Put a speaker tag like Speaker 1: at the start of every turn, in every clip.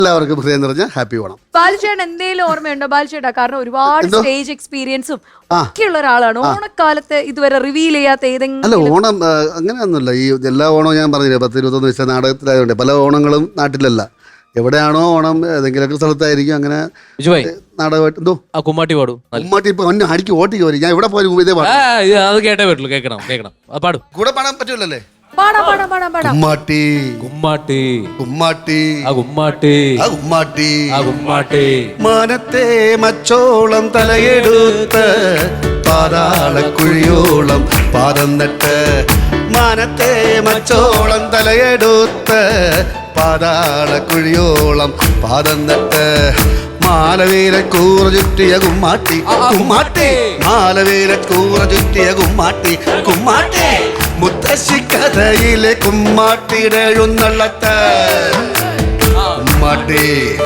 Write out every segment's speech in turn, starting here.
Speaker 1: എല്ലാവർക്കും ഹൃദയം നിറഞ്ഞ ഹാപ്പി ഓണം.
Speaker 2: ബാലുചേട്ടൻ എന്തെങ്കിലും ഓർമ്മയുണ്ടോ ബാലുചേട്ടാ? കാരണം ഒരുപാട് സ്റ്റേജ് എക്സ്പീരിയൻസും ഒക്കെയുള്ള ഒരാളാണ്. ഓണക്കാലത്ത് ഇതുവരെ റിവീൽ ചെയ്യാത്ത ഏതെങ്കിലും?
Speaker 1: അല്ല, ഓണം അങ്ങനെയൊന്നുമില്ല. ഈ എല്ലാ ഓണവും ഞാൻ പറഞ്ഞില്ല, 10-21 വയസ്സ് നാടകത്തിലായതുകൊണ്ട് പല ഓണങ്ങളും നാട്ടിലല്ല. എവിടെയാണോ ഓണം ഏതെങ്കിലുമൊക്കെ സ്ഥലത്തായിരിക്കും. അങ്ങനെ നാടകമായിട്ട് എന്തോ
Speaker 3: കുമ്മാട്ടി പാടും.
Speaker 1: കുമ്മാട്ടി ഇപ്പൊ അടിക്ക് ഓട്ടിക്ക് വരും. ഞാൻ എവിടെ പോയാലും ഇതേ പാടും.
Speaker 3: അത് കേട്ടേ പറ്റുള്ളൂ. കേൾക്കണം പാടും.
Speaker 1: കൂടെ പാടാൻ പറ്റൂലല്ലേ?
Speaker 2: കുമ്മാട്ടി
Speaker 1: കുമ്മാട്ടി കുമ്മാട്ടി
Speaker 3: കുമ്മാട്ടി
Speaker 1: കുമ്മാട്ടി
Speaker 3: കുമ്മാട്ടി
Speaker 1: മാനത്തെ മച്ചോളം തലയെടുത്ത് പാതാളക്കുഴിയോളം പാദം നട്ട് മാനത്തെ മച്ചോളം തലയെടുത്ത് പാതാളക്കുഴിയോളം പാദം നട്ട് മാലവേല കൂറ ചുറ്റിയ കുമ്മാട്ടി കുമ്മാട്ടി മാലവേല കൂറ ചുറ്റിയ കുമ്മാട്ടി കുമ്മാട്ടി മുത്തശ്ശി കഥയിലെ കുമ്മാട്ടിയുടെ എഴുന്നള്ളത്ത് കുമ്മാട്ടി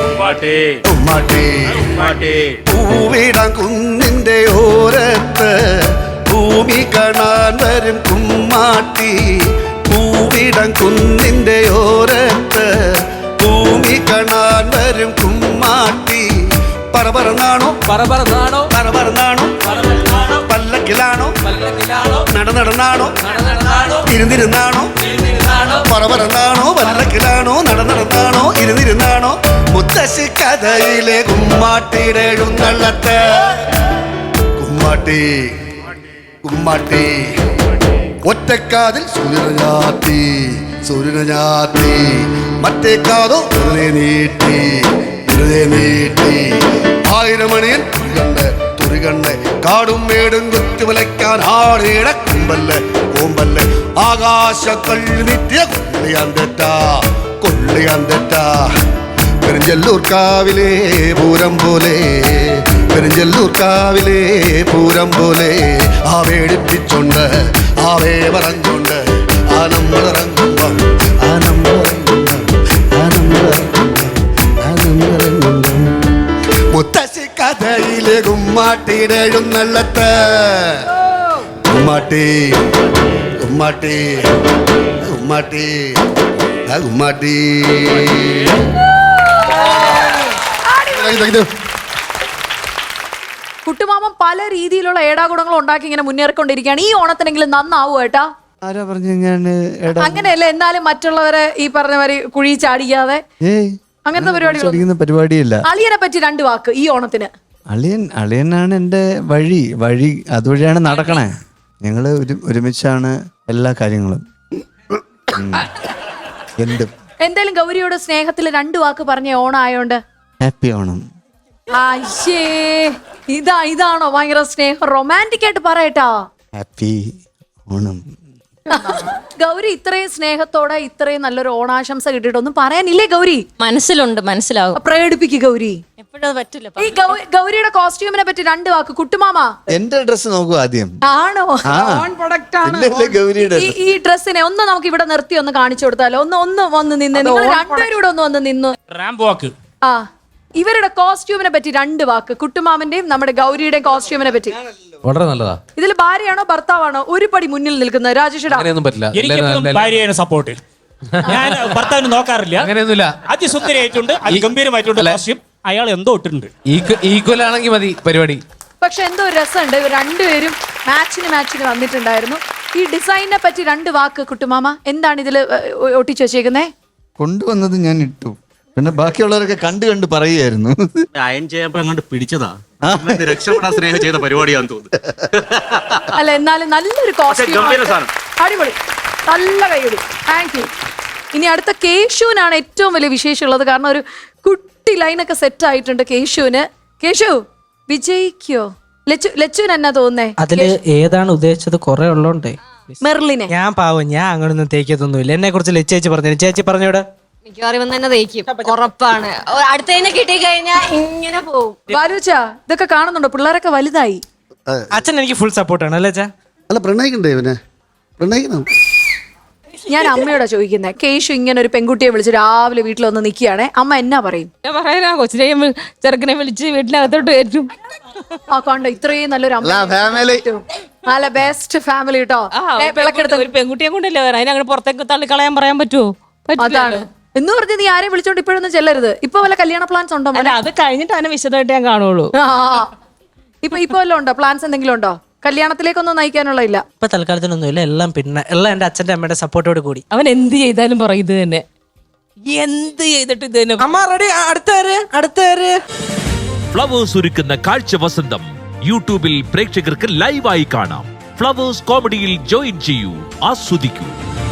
Speaker 1: കുമ്മാട്ടി പൂവിടാൻ കുന്നിന്റെ ഓരത്ത് ഭൂമി കാണാൻ വരും കുമ്മാട്ടി പൂവിടാൻ കുന്നിന്റെ ഓരത്ത് ഭൂമി കാണാൻ വരും കുമ്മാട്ടി പറപറന്നാണോ
Speaker 3: പറപറന്നാണോ
Speaker 1: പറപറന്നാണോ പല്ലക്കിലാണോ നടന്നാണോ ഇരുന്നിരുന്നാണോ പറപറന്നാണോ പല്ലക്കിലാണോ നടന്നാണോ ഇരുന്നിരുന്നാണോ മുത്തശ്ശി കഥയിലെ കുമ്മാട്ടിയുടെ എഴുന്നള്ളത്ത് കുമ്മാട്ടി കുമ്മാട്ടി ഒറ്റക്കാതിൽ സൂര്യനെ ഞാത്തി മറ്റേ കാതോ നീട്ടി ആയിരമണിയൻ തുറികണ്ണ് കാടും മേടും കുത്തിവലയ്ക്കാൻ ആടേട കുമ്പല്ല് കോമ്പല്ല് ആകാശ കള്ളിനിറ്റിയ കൊള്ളിയാൻ തെറ്റാ പെരിഞ്ചല്ലൂർ കാവിലെ പൂരം പോലെ പെരിഞ്ചല്ലൂർ കാവിലെ പൂരം പോലെ ആവേടിപ്പിച്ചോണ്ട് ആവേ പറഞ്ഞോണ്ട് ആ നമ്മളിറങ്ങുമ്പം മുത്തശ്ശി കഥയിലെ കുമ്മാട്ടിയുടെ എഴുന്നള്ളത്ത് കുമ്മാട്ടി കുമ്മാട്ടി കുമ്മാട്ടി കുമ്മാട്ടി.
Speaker 2: കുട്ടുമാമൻ പല രീതിയിലുള്ള ഏടാകുടങ്ങൾ ഉണ്ടാക്കി ഇങ്ങനെ മുന്നേറിക്കൊണ്ടിരിക്കുകയാണ്. ഈ ഓണത്തിനെങ്കിലും നന്നാവൂ ഏട്ടാ.
Speaker 4: ആരാ പറഞ്ഞു
Speaker 2: അങ്ങനെയല്ല, എന്നാലും മറ്റുള്ളവരെ ഈ പറഞ്ഞവര് കുഴി ചാടിക്കാതെ അങ്ങനത്തെ
Speaker 4: പരിപാടിയില്ല.
Speaker 2: അളിയനെ പറ്റി 2 വാക്ക് ഈ ഓണത്തിന്.
Speaker 4: അളിയനാണ് എന്റെ വഴി അതുവഴിയാണ് നടക്കണേ. ഞങ്ങള് ഒരുമിച്ചാണ് എല്ലാ കാര്യങ്ങളും.
Speaker 2: എന്തായാലും ഗൗരിയോട് സ്നേഹത്തിൽ 2 വാക്ക് പറഞ്ഞ ഓണം ആയോണ്ട്
Speaker 4: ഹാപ്പി ഓണം.
Speaker 2: ഇതാണോ ഭയങ്കര സ്നേഹം? റൊമാൻറ്റിക് ആയിട്ട് പറയട്ടാ
Speaker 4: ഹാപ്പി ഓണം.
Speaker 2: ഗൗരി ഇത്രയും സ്നേഹത്തോടെ ഇത്രയും നല്ലൊരു ഓണാശംസ കിട്ടിയിട്ടൊന്നും പറയാനില്ലേ ഗൗരി?
Speaker 5: മനസ്സിലുണ്ട്, മനസ്സിലാവും.
Speaker 2: പ്രകടിപ്പിക്കുക ഗൗരി.
Speaker 5: എപ്പോഴും പറ്റില്ല.
Speaker 2: ഈ ഗൗരിയുടെ കോസ്റ്റ്യൂമിനെ പറ്റി 2 വാക്ക്. കുട്ടുമാമ
Speaker 4: എന്റെ ഡ്രസ് നോക്കൂ ആദ്യം.
Speaker 2: ആണോ? ഈ ഡ്രസ്സിനെ ഒന്ന് നമുക്ക് ഇവിടെ നിർത്തി ഒന്ന് കാണിച്ചു കൊടുത്താലോ? ഒന്ന് വന്ന് നിന്ന് നിങ്ങൾ 2 പേരും ഇവിടെ ഒന്ന് വന്ന് നിന്നു. ആ, ഇവരുടെ കോസ്റ്റ്യൂമിനെ പറ്റി 2 വാക്ക്. കുട്ടുമാമന്റെയും നമ്മുടെ ഗൗരിയുടെയും കോസ്റ്റ്യൂമിനെ പറ്റി.
Speaker 3: വളരെ നല്ലതാ.
Speaker 2: ഇതിൽ ഭാര്യയാണോ ഭർത്താവാണോ ഒരു പടി മുന്നിൽ നിൽക്കുന്നത്? രാജേഷ്
Speaker 6: ഭാര്യയാണ് സപ്പോർട്ട്. ഞാൻ ഭർത്താവിന് നോക്കാറില്ല.
Speaker 3: അങ്ങനെയൊന്നുമില്ല.
Speaker 6: അതിസുന്ദരിയായിട്ടുണ്ട്, അതിഗംഭീരമായിട്ടുണ്ട് കോസ്റ്റ്യൂം. അയാൾ എന്തോ ഇട്ടിട്ടുണ്ട്.
Speaker 3: ഈക്വൽ ആണെങ്കിൽ മതി പരിപാടി.
Speaker 2: പക്ഷെ എന്തോ ഒരു രസമുണ്ട്. ഇവർ 2 പേരും മാച്ചിന് വന്നിട്ടുണ്ടായിരുന്നു. ഈ ഡിസൈനിനെ പറ്റി 2 വാക്ക് കുട്ടുമാമ. എന്താണ് ഇതിൽ ഒട്ടിച്ചു വെച്ചേക്കുന്നേ?
Speaker 4: കൊണ്ടുവന്നത് ഞാൻ ഇട്ടു, പിന്നെ ബാക്കിയുള്ളവരൊക്കെ കണ്ട് പറയുമായിരുന്നു.
Speaker 7: അയൺ ചെയ്യുമ്പോ അങ്ങോട്ട് പിടിച്ചതാ. രക്ഷപ്പെടാൻ സ്നേഹം ചെയ്ത പരിപാടിയാന്ന് തോന്നുന്നു.
Speaker 2: അല്ല, എന്നാലും നല്ലൊരു കോസ്റ്റ്യൂം, അടിപൊളി, നല്ല കൈയടി. Thank you. ഇനി അടുത്ത കേശുവിനാണ് ഏറ്റവും വലിയ വിശേഷമുള്ളത്. കാരണം ഒരു കുട്ടി ലൈനൊക്കെ സെറ്റ് ആയിട്ടുണ്ട് കേശുവിന്. കേശു വിജയിക്കോ? ലച്ചുവിന് എന്നാ തോന്നുന്നേ?
Speaker 8: അതില് ഏതാണ് ഉദ്ദേശിച്ചത്? കുറെ ഉള്ളോണ്ടേ
Speaker 2: മെർലിനെ.
Speaker 8: ഞാൻ പാവം, ഞാൻ അങ്ങനൊന്നും തേക്കത്തൊന്നുമില്ല. എന്നെ കുറിച്ച് ലച്ചേച്ചി പറഞ്ഞു. ചേച്ചി പറഞ്ഞോട്.
Speaker 5: മിക്കവാറും തന്നെ തേക്കും, ഉറപ്പാണ്. അടുത്തതിനെ കിട്ടി കഴിഞ്ഞാൽ ഇങ്ങനെ പോകും.
Speaker 2: ബാലുച്ച ഇതൊക്കെ കാണുന്നുണ്ടോ? പിള്ളേരൊക്കെ വലുതായി.
Speaker 8: അച്ഛൻ എനിക്ക് ഫുൾ സപ്പോർട്ടാണ് അല്ലേ അച്ഛാ?
Speaker 1: അല്ല, പ്രണയിക്കണ്ടേ ഇവനെ? പ്രണയിക്കണം.
Speaker 2: ഞാൻ അമ്മയോടാ ചോദിക്കുന്നത്. കേശു ഇങ്ങനെ ഒരു പെൺകുട്ടിയെ വിളിച്ച് രാവിലെ വീട്ടിൽ വന്ന് നിൽക്കുകയാണെ അമ്മ എന്നാ പറയും?
Speaker 5: പറയാ കൊച്ചിനെയും ചെറുക്കനെ വിളിച്ച് വീട്ടിനകത്തോട്ട് കയറ്റും.
Speaker 2: ആ കണ്ടോ, ഇത്രയും നല്ലൊരു അമ്മ, നല്ല ബെസ്റ്റ് ഫാമിലി കേട്ടോ.
Speaker 5: ഒരു പെൺകുട്ടിയെ കൊണ്ടല്ലേ അതിനങ്ങനെ പുറത്തേക്ക് തള്ളിക്കളയാൻ പറയാൻ പറ്റുമോ?
Speaker 2: അതാണ് എന്ന് പറഞ്ഞ് നീ ആരെയും വിളിച്ചോണ്ട് ഇപ്പോഴൊന്നും ചെല്ലരുത്. ഇപ്പൊ വല്ല കല്യാണ പ്ലാൻസ് ഉണ്ടോ മോനെ?
Speaker 9: അല്ല അത് കഴിഞ്ഞിട്ട് അതിനെ വിശദമായിട്ട് ഞാൻ കാണുള്ളൂ.
Speaker 2: ഇപ്പൊ വല്ലതും ഉണ്ടോ? പ്ലാൻസ് എന്തെങ്കിലും ഉണ്ടോ? കല്യാണത്തിലേക്കൊന്നും നയിക്കാനുള്ള ഇല്ല.
Speaker 8: ഇപ്പൊ തൽക്കാലത്തിനൊന്നുമില്ല, എല്ലാം പിന്നെ എല്ലാം എന്റെ അച്ഛന്റെ അമ്മയുടെ സപ്പോർട്ടോട് കൂടി.
Speaker 9: അവൻ എന്ത് ചെയ്താലും പറയും ഇത് തന്നെ, എന്ത് ചെയ്തിട്ട് ഇത് തന്നെ.
Speaker 8: അമ്മ റെഡി, അടുത്തേര്.
Speaker 10: ഫ്ലവേഴ്സ് ഒരുക്കുന്ന കാഴ്ച വസന്തം യൂട്യൂബിൽ പ്രേക്ഷകർക്ക് ലൈവായി കാണാം. ഫ്ലവേഴ്സ് കോമഡിയിൽ ജോയിൻ ചെയ്യൂ, ആസ്വദിക്കൂ.